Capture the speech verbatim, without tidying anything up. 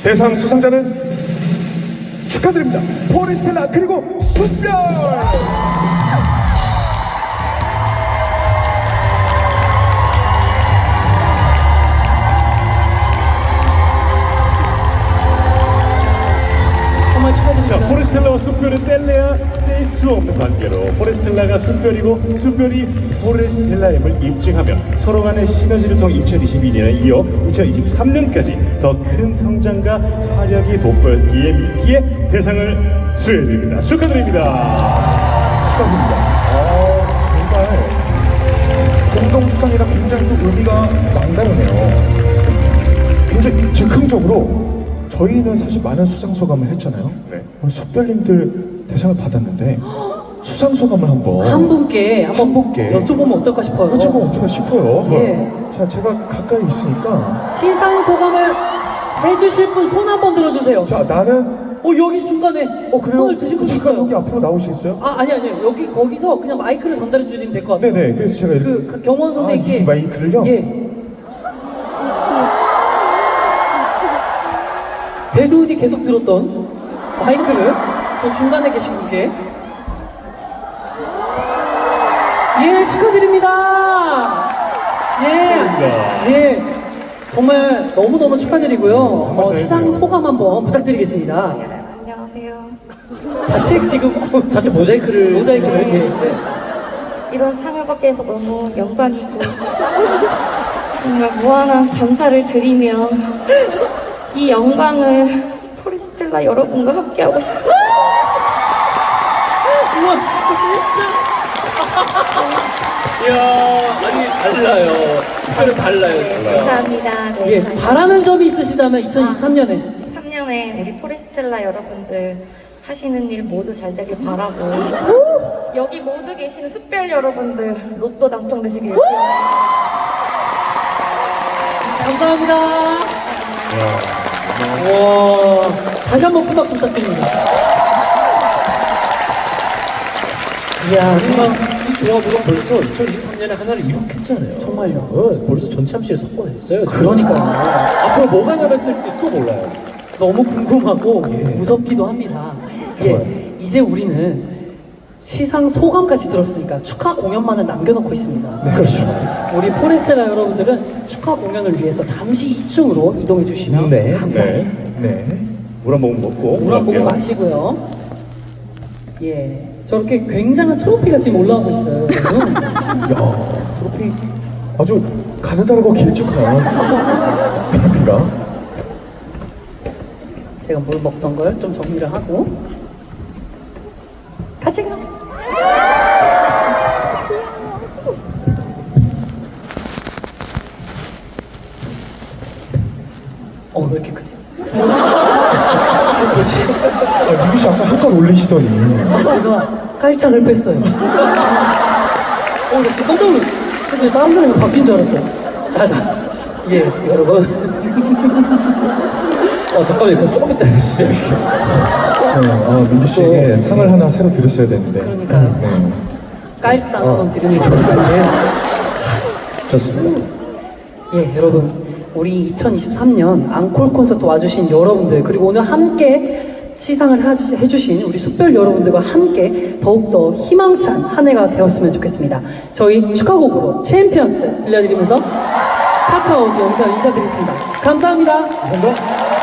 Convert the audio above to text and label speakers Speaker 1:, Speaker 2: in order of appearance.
Speaker 1: 대상 수상자는 축하드립니다. 포레스텔라 그리고 숯별.
Speaker 2: 정말 축하드립니다.
Speaker 3: 자, 포레스텔라와 숯별은 뗄래야 뗄 수 없는 관계로 포레스텔라가 숯별이고 숯별이 포레스텔라임을 입증하며 서로 간의 시너지를 통해 이천이십이 년에 이어 이천이십삼 년까지 더 큰 성장과 활약이 돋보였기에 미끼의 대상을 수여해드립니다. 축하드립니다.
Speaker 1: 축하드립니다. 아, 정말 공동 수상이라 굉장히 또 의미가 남다르네요. 굉장히 즉흥적으로 저희는 사실 많은 수상 소감을 했잖아요.
Speaker 3: 네.
Speaker 1: 우리 숙별님들 대상을 받았는데 수상 소감을 한번
Speaker 2: 한 분께 한번
Speaker 1: 한 분께
Speaker 2: 여쭤보면 어떨까 싶어요.
Speaker 1: 여쭤보면 어떨까 싶어요.
Speaker 2: 예.
Speaker 1: 자, 제가 가까이 있으니까
Speaker 2: 시상 소감을 해주실 분 손 한번 들어주세요.
Speaker 1: 자, 나는
Speaker 2: 어 여기 중간에
Speaker 1: 어 그래요?
Speaker 2: 손을 드신 분
Speaker 1: 잠깐
Speaker 2: 있어요.
Speaker 1: 여기 앞으로 나오시겠어요?
Speaker 2: 아 아니 아니요 여기 거기서 그냥 마이크를 전달해 주시면 될 것 같아요.
Speaker 1: 네네. 그래서 제가 이렇게
Speaker 2: 그, 그 경원 선생님께
Speaker 1: 아, 이 마이크를요?
Speaker 2: 예. 배두훈이 계속 들었던 마이크를 저 중간에 계신 분께 예 축하드립니다. 예.
Speaker 3: 축하드립니다.
Speaker 2: 예. 정말 너무 너무 축하드리고요. 어,
Speaker 3: 말씀
Speaker 2: 시상
Speaker 3: 해주세요.
Speaker 2: 소감 한번 부탁드리겠습니다.
Speaker 4: 안녕하세요.
Speaker 2: 자책 지금 자체 모자이크를 모자이크를
Speaker 4: 네.
Speaker 2: 계신데
Speaker 4: 이런 상을 받게 해서 너무 영광이고 정말 무한한 감사를 드리며 이 영광을 포레스텔라 여러분과 함께하고 싶습니다.
Speaker 2: 우와 진짜
Speaker 5: 이야, 아니 달라요. 특별히 달라요, 진짜.
Speaker 4: 감사합니다. 네.
Speaker 2: 예 바라는 점이 있으시다면 이천이십삼 년에
Speaker 4: 이십삼 년에 우리 포레스텔라 여러분들 하시는 일 모두 잘 되길 바라고 여기 모두 계시는 숯별 여러분들 로또 당첨되시길
Speaker 2: 감사합니다.
Speaker 3: 이야.
Speaker 2: 와 다시 한번 큰 박수 부탁드립니다. 이야 정말
Speaker 5: 이 조합으로 벌써 이천이십삼 년에 하나를 이룩했잖아요.
Speaker 2: 정말요.
Speaker 5: 어, 벌써 전참시에 석권했어요.
Speaker 2: 그러니까요.
Speaker 5: 앞으로 뭐가 남았을지 또 몰라요.
Speaker 2: 너무 궁금하고
Speaker 5: 예.
Speaker 2: 무섭기도 합니다.
Speaker 5: 좋아요.
Speaker 2: 예, 이제 우리는 시상 소감까지 들었으니까 축하 공연만은 남겨놓고 있습니다.
Speaker 1: 네, 그렇죠.
Speaker 2: 우리 포레스텔라 여러분들은 축하 공연을 위해서 잠시 이 층으로 이동해 주시면
Speaker 5: 네,
Speaker 2: 감사하겠습니다.
Speaker 1: 네.
Speaker 3: 물 한 모금 먹고
Speaker 2: 물 한 모금
Speaker 3: 올라갈게요.
Speaker 2: 마시고요. 예, 저렇게 굉장한 트로피가 지금 올라오고 있어요. 여러분.
Speaker 1: 야, 트로피 아주 가느다랗고 길쭉한 트로피가.
Speaker 2: 제가 물 먹던 걸 좀 정리를 하고 같이 가. 어, 왜 이렇게 크지? 뭐지?
Speaker 1: 아, 미규 씨 아까 한 건 올리시더니.
Speaker 2: 제가 깔창을 뺐어요. 어, 나 진짜 깜짝 놀랐어. 그래서 다른 사람이 바뀐 줄 알았어요. 자, 자. 예, 여러분.
Speaker 5: 어, 잠깐만요. 그럼 조금 이따 해주세요.
Speaker 1: 네, 아, 민규 씨에게 상을 하나 새로 드렸어야 되는데.
Speaker 2: 그러니까요.
Speaker 1: 네.
Speaker 2: 깔상 한번 드리는 게 좋을 텐데.
Speaker 5: 좋습니다.
Speaker 2: 예, 여러분. 우리 이천이십삼 년 앙콜 콘서트 와주신 여러분들, 그리고 오늘 함께 시상을 하시, 해주신 우리 숯별 여러분들과 함께 더욱더 희망찬 한 해가 되었으면 좋겠습니다. 저희 축하곡으로 챔피언스 들려드리면서 카카오즈 영상 인사드리겠습니다. 감사합니다.
Speaker 1: 감사합니다.